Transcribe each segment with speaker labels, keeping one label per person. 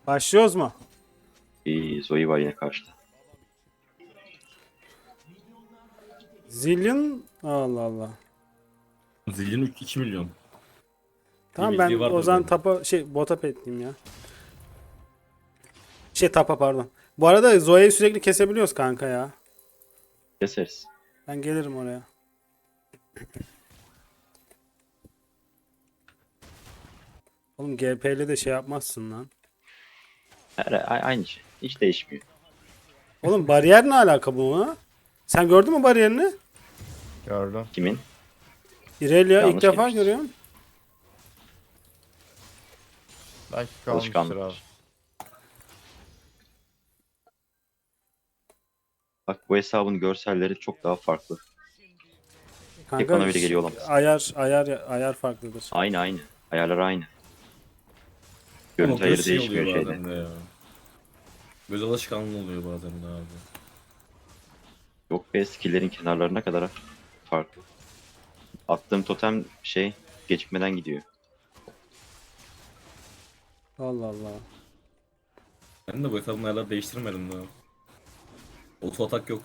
Speaker 1: Başlıyoruz mu?
Speaker 2: Zoe var yine karşıda.
Speaker 1: Zillion. Allah Allah.
Speaker 3: Zilin 2 milyon.
Speaker 1: Tamam ben
Speaker 3: bildiği vardır
Speaker 1: o zaman
Speaker 3: benim.
Speaker 1: tapa bota petleyeyim ya. Tapa pardon. Bu arada Zoe'yi sürekli kesebiliyoruz kanka ya.
Speaker 2: Keseriz.
Speaker 1: Ben gelirim oraya. Oğlum GP'li de şey yapmazsın lan.
Speaker 2: Aynı şey. Hiç değişmiyor.
Speaker 1: Oğlum bariyer ne alaka bu? Sen gördün mü bariyerini?
Speaker 4: Gördüm.
Speaker 2: Kimin?
Speaker 1: İrelia ilk
Speaker 2: Yanlış
Speaker 1: defa
Speaker 2: girmiştir.
Speaker 1: görüyorum.
Speaker 4: Belki kalmıştır abi.
Speaker 2: Alışkanlıktır. Bak bu hesabın görselleri çok daha farklı.
Speaker 1: Kanka
Speaker 2: bana bile geliyor olamaz.
Speaker 1: ayar farklıdır.
Speaker 2: Aynı. Ayarlar aynı.
Speaker 3: Ama
Speaker 2: Görüntü
Speaker 3: göz
Speaker 2: ayarı
Speaker 3: şey
Speaker 2: değişmiyor
Speaker 3: oluyor
Speaker 2: şeyde.
Speaker 3: bazen de ya. Göz alışkanlığı oluyor bazen de abi.
Speaker 2: Yok be, skill'lerin kenarlarına kadar farklı. Attığım totem gecikmeden gidiyor.
Speaker 1: Allah Allah.
Speaker 3: Ben de bu hesabın ayarları değiştirmedim daha. Auto atak yok.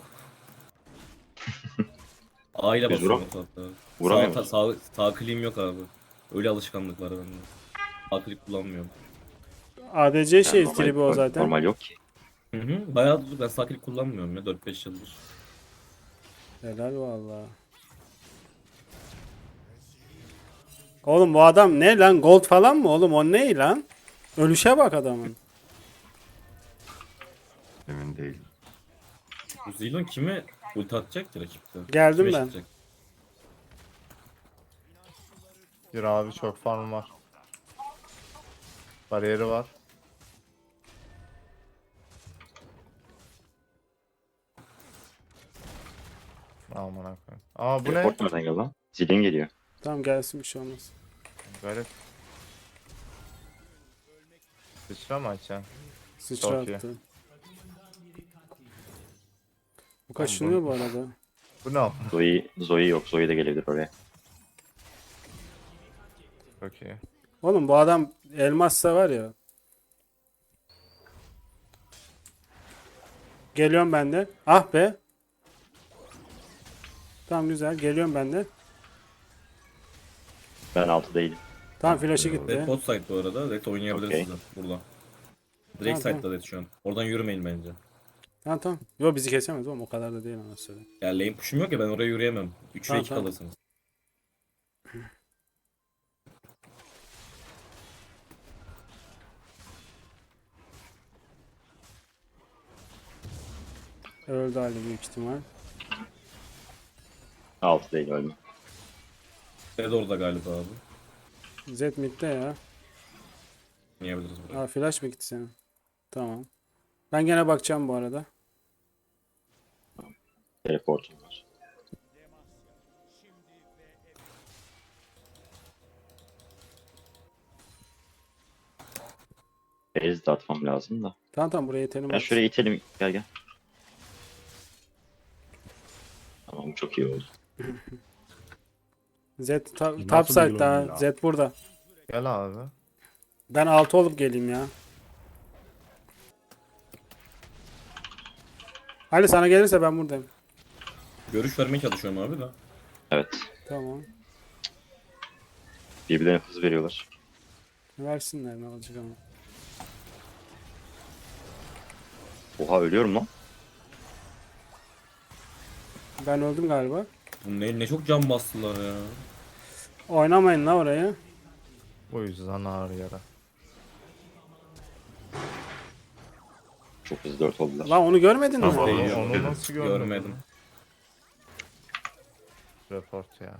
Speaker 3: A ile
Speaker 2: Biz
Speaker 3: basıyorum auto atağı.
Speaker 2: vuramıyor
Speaker 3: Sağ,
Speaker 2: musun?
Speaker 3: sağ kliğim yok abi. Öyle alışkanlık var bende. Sağ klik kullanmıyorum.
Speaker 1: ADC
Speaker 2: Yani
Speaker 1: şey tribi o zaten.
Speaker 2: normal yok ki.
Speaker 3: Hı. Bayağı ben sağ klik kullanmıyorum ya 4-5 yıldır.
Speaker 1: Helal valla. Oğlum bu adam ne lan? Gold falan mı oğlum? O ne lan? Ölüşe bak adamın.
Speaker 5: Emin değilim.
Speaker 3: Bu Zilon kime ulti atacak ki rakipte?
Speaker 1: Geldim
Speaker 3: Kime
Speaker 1: ben.
Speaker 3: çıkacak?
Speaker 4: Bir abi çok farm var. Bariyeri var. Aman akıyım. Aa bu ne?
Speaker 2: Report nereden geldi lan? Zilin geliyor.
Speaker 1: Tamam gelsin bir şey olmaz.
Speaker 4: Garip. Sıçra mı açacaksın?
Speaker 1: Sıçra
Speaker 4: Çok iyi.
Speaker 1: attı. Bu kaşınıyor bu arada.
Speaker 4: Bu ne?
Speaker 2: Zoe yok. Zoe de gelebilir oraya.
Speaker 4: Çok iyi.
Speaker 1: Oğlum bu adam elmassa var ya. Geliyorum ben de. Ah be. Tamam güzel. Geliyorum ben de.
Speaker 2: Ben 6 değilim.
Speaker 1: Tamam flash'ı
Speaker 3: Red
Speaker 1: gitti.
Speaker 3: bot side bu arada. Red oynayabiliriz
Speaker 2: Okey.
Speaker 3: sizden burada. Direkt
Speaker 1: Tamam,
Speaker 3: side'da Red şu an. Oradan yürümeyin bence.
Speaker 1: Tamam. Yo bizi kesemez oğlum. O kadar da değil anasını.
Speaker 3: Ya lane push'um yok ya ben oraya yürüyemem. 3 ve
Speaker 1: Tamam,
Speaker 3: 2
Speaker 1: tamam.
Speaker 3: kalırsınız.
Speaker 1: Öldü Ali büyük ihtimal.
Speaker 2: 6 değil, ölme.
Speaker 3: Red orada galiba abi.
Speaker 1: Z midde ya.
Speaker 3: Oynayabiliriz buraya.
Speaker 1: Aa flash mı gitti senin? Tamam. Ben gene bakacağım bu arada.
Speaker 2: Teleportum var. Base de atmam lazım da.
Speaker 1: Tamam buraya yetelim.
Speaker 2: Ben şuraya itelim. Gel. Tamam, çok iyi oldu.
Speaker 1: Z
Speaker 5: Nasıl
Speaker 1: top side
Speaker 5: bir
Speaker 1: daha.
Speaker 5: oyun ya?
Speaker 1: Z burada.
Speaker 4: Gel abi.
Speaker 1: Ben 6 olup geleyim ya. Ali sana gelirse ben buradayım.
Speaker 3: Görüş vermeye çalışıyorum abi de.
Speaker 2: Evet.
Speaker 1: Tamam.
Speaker 2: Birbirlerine hız veriyorlar.
Speaker 1: Versinler ne olacak ama.
Speaker 2: Oha, ölüyorum lan.
Speaker 1: Ben öldüm galiba.
Speaker 3: Bu ne çok can bastılar ya.
Speaker 1: Oynamayın la oraya.
Speaker 4: O yüzden ağır yara.
Speaker 2: Çok hızlı 4 oldular.
Speaker 1: Lan onu görmedin mi?
Speaker 5: Tamam.
Speaker 4: Onu nasıl görmedin?
Speaker 3: Görmedim.
Speaker 4: Report ya.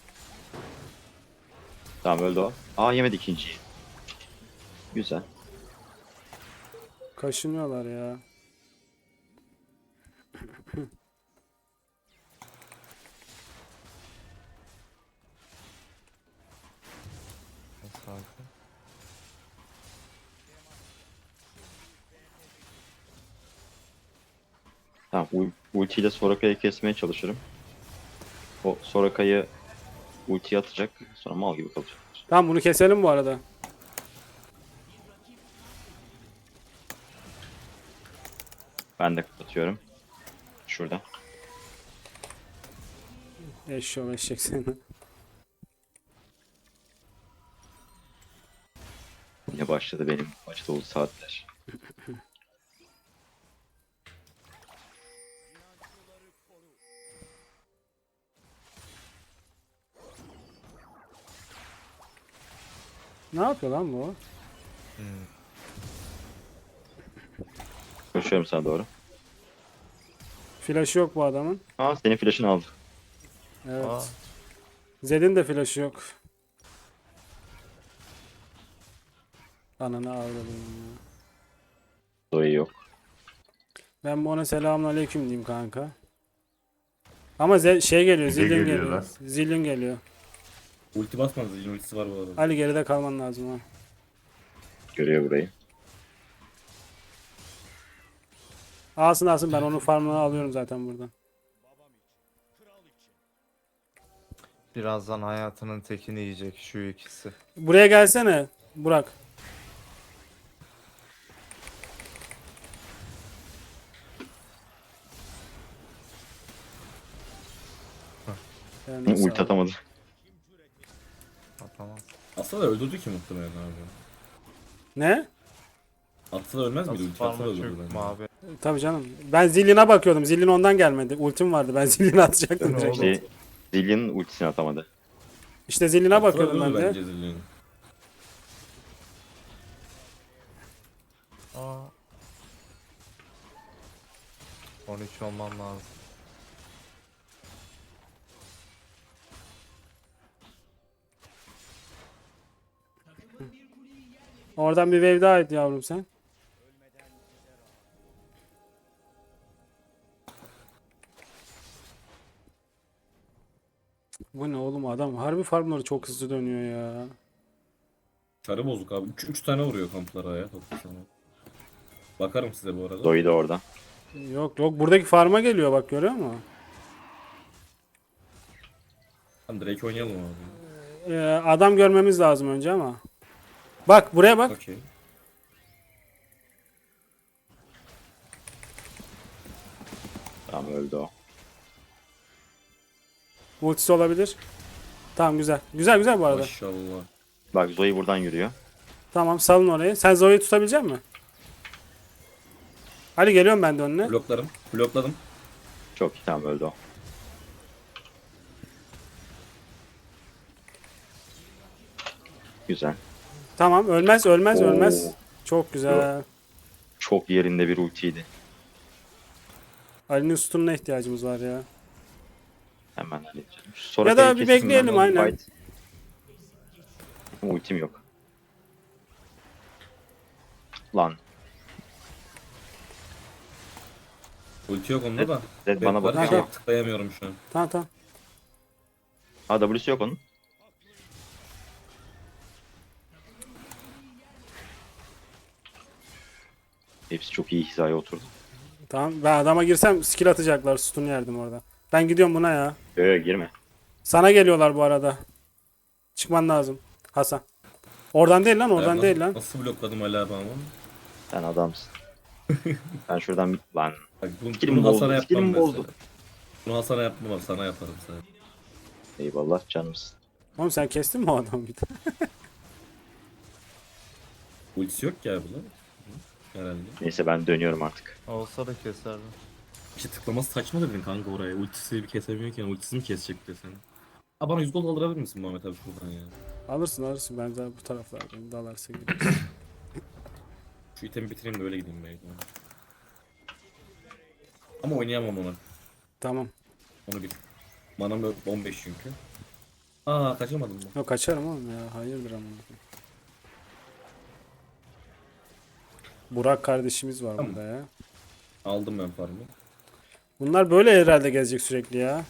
Speaker 2: Tamam, öldü o. Aa, yemedi ikinciyi. Güzel.
Speaker 1: Kaşınıyorlar ya.
Speaker 4: Sakin.
Speaker 2: Tamam, ultiyle Soraka'yı kesmeye çalışırım. O Soraka'yı ultiye atacak. Sonra mal gibi kalacak.
Speaker 1: Tamam bunu keselim bu arada.
Speaker 2: Ben de kapatıyorum. Şurada.
Speaker 1: Eşşoğlu eşek seni.
Speaker 2: Yine başladı benim maç dolu saatler.
Speaker 1: Ne yapıyor lan bu?
Speaker 2: Koşuyorum sana doğru.
Speaker 1: Flaşı yok bu adamın.
Speaker 2: Aa senin flash'ını aldı.
Speaker 1: Evet.
Speaker 4: Aa,
Speaker 1: Zed'in de flaşı yok. Ananı avradım ya.
Speaker 2: Zoe yok.
Speaker 1: Ben bu ona selamünaleyküm diyeyim kanka. Ama şey geliyor,
Speaker 5: Bize
Speaker 1: zilin
Speaker 5: geliyor
Speaker 1: geliyor.
Speaker 5: lan.
Speaker 1: Zilin geliyor.
Speaker 3: Ulti basmanız. Zilin ultisi var bu arada.
Speaker 1: Ali geride kalman lazım ha.
Speaker 2: Görüyor burayı.
Speaker 1: Alsın ben onun farmını alıyorum zaten buradan.
Speaker 4: birazdan hayatının tekini yiyecek şu ikisi.
Speaker 1: Buraya gelsene Burak. Yani sağ
Speaker 2: Ulti
Speaker 1: ol.
Speaker 2: atamadı.
Speaker 4: Atamaz.
Speaker 3: Aslında öldürdü ki muhtemelen abi.
Speaker 1: Ne?
Speaker 3: Atsa da ölmez miydi?
Speaker 4: Nasıl
Speaker 3: Ulti atsa da
Speaker 4: parmak
Speaker 3: öldürdü
Speaker 4: çöktüm
Speaker 3: bence.
Speaker 4: abi.
Speaker 1: Tabii canım. Ben Zillion'a bakıyordum. Zillion ondan gelmedi. Ultim vardı. Ben Zillion'a atacaktım
Speaker 4: Değil mi
Speaker 1: direkt.
Speaker 4: oğlum?
Speaker 2: Zillion'ın ultisini atamadı.
Speaker 1: İşte Zillion'a
Speaker 3: Atsa da
Speaker 1: bakıyordum ben
Speaker 3: öldürdü
Speaker 1: de.
Speaker 3: bence Zillion'u.
Speaker 4: Aa. 13 olmam lazım.
Speaker 1: Oradan bir wave daha et yavrum sen. Bu ne oğlum adam harbi farmları çok hızlı dönüyor ya.
Speaker 3: Çarı bozuk abi. 3 tane vuruyor kamplara ya. Toplasana. Bakarım size bu arada.
Speaker 2: Zoe de orada.
Speaker 1: Yok buradaki farma geliyor bak görüyor musun?
Speaker 3: Tamam direkt oynayalım abi.
Speaker 1: Adam görmemiz lazım önce ama. Bak buraya bak.
Speaker 3: Okey.
Speaker 2: Tamam öldü o.
Speaker 1: Ultisi olabilir. Tamam güzel. Güzel bu arada.
Speaker 3: Maşallah.
Speaker 2: Bak Zoe buradan yürüyor.
Speaker 1: Tamam salın orayı. Sen Zoe'yi tutabilecek misin? Ali geliyorum ben de önüne.
Speaker 3: Bloklarım. Blokladım.
Speaker 2: Çok iyi tamam öldü o. Güzel.
Speaker 1: Tamam ölmez.
Speaker 2: Oo.
Speaker 1: Çok güzel.
Speaker 2: Çok yerinde bir ultiydi.
Speaker 1: Ali'nin sütununa ihtiyacımız var ya.
Speaker 2: Hemen halledeceğim.
Speaker 1: Ya da bir bekleyelim, aynen.
Speaker 2: Ultim yok. Lan.
Speaker 3: Ulti yok onda da.
Speaker 2: Zed bana
Speaker 3: Bekler,
Speaker 2: bakıyor.
Speaker 3: tıklayamıyorum şu an.
Speaker 1: Tamam.
Speaker 2: Ha W'si yok onun. Hepsi çok iyi hizaya oturdu.
Speaker 1: Tamam. Ben adama girsem skill atacaklar. Sütun yerdim orada. Ben gidiyorum buna ya.
Speaker 2: Girme.
Speaker 1: Sana geliyorlar bu arada. Çıkman lazım. Hasan. Oradan değil lan oradan
Speaker 3: Ya
Speaker 1: değil lan.
Speaker 3: Nasıl blokladım hala abi ama.
Speaker 2: Sen adamsın. Ben şuradan lan.
Speaker 3: Bak
Speaker 2: Skill'imi
Speaker 3: bunu Hasan'a
Speaker 2: bozdu.
Speaker 3: yapmam
Speaker 2: Skill'imi
Speaker 3: mesela.
Speaker 2: bozdu.
Speaker 3: Bunu Hasan'a yapmam, sana yaparım sana.
Speaker 2: Eyvallah canımsın.
Speaker 1: Oğlum sen kestin mi o adamı bir de?
Speaker 3: Ultisi yok ki abi bunun. Herhalde.
Speaker 2: Neyse ben dönüyorum artık.
Speaker 4: Olsa da keserdim.
Speaker 3: İşte tıklaması saçma dedin kanka oraya. Ultisi bir kesemiyorken ultisini mi kesecek de seni? Ha bana 100 gol aldırabilir misin Muhammed abi şuradan ya?
Speaker 1: Alırsın. Ben zaten bu taraflardayım. Dalarsa gidiyoruz.
Speaker 3: Şu itemi bitireyim de öyle gideyim belki. Ama oynayamam onu.
Speaker 1: Tamam.
Speaker 3: Onu bil. Manam 15 çünkü. Aa kaçamadım mı?
Speaker 1: Yok kaçarım oğlum ya. Hayırdır ama. Burak kardeşimiz var
Speaker 3: Tamam.
Speaker 1: burada ya.
Speaker 3: Aldım ben farmı.
Speaker 1: Bunlar böyle herhalde gezecek sürekli ya.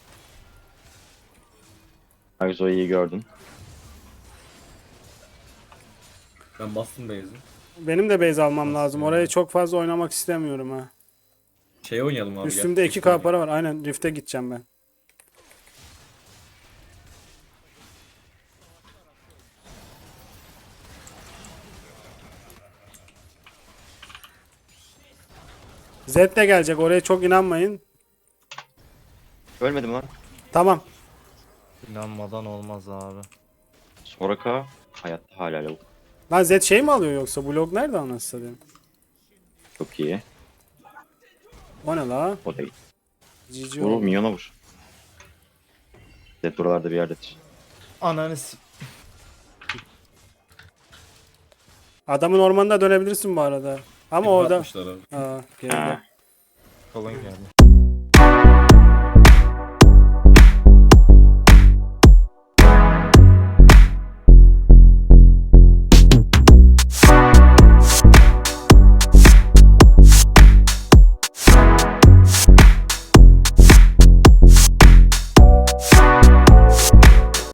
Speaker 2: Bak Zoe'yi gördün.
Speaker 3: Ben bastım base'i.
Speaker 1: Benim de base almam lazım. Oraya çok fazla oynamak istemiyorum ha.
Speaker 3: Şey oynayalım abi.
Speaker 1: Üstümde
Speaker 3: gel.
Speaker 1: 2K para var. Aynen Rift'e gideceğim ben. Zed de gelecek. Oraya çok inanmayın.
Speaker 2: Ölmedim lan.
Speaker 1: Tamam.
Speaker 4: İnanmadan olmaz abi.
Speaker 2: Soraka hayatta hala lavuk.
Speaker 1: Lan Zed şey mi alıyor yoksa? Bu log nerede anasını satayım?
Speaker 2: Çok iyi.
Speaker 1: O ne la?
Speaker 2: O değil.
Speaker 1: GG
Speaker 2: Vur
Speaker 1: oldu.
Speaker 2: minyona vur. Zed buralarda bir yerdedir.
Speaker 4: Ananı s-
Speaker 1: Adamın ormanına dönebilirsin bu arada. Ama
Speaker 3: Hep
Speaker 1: orada...
Speaker 3: atmışlar abi.
Speaker 1: Aa, geride.
Speaker 2: Ha.
Speaker 4: Kalın geldi.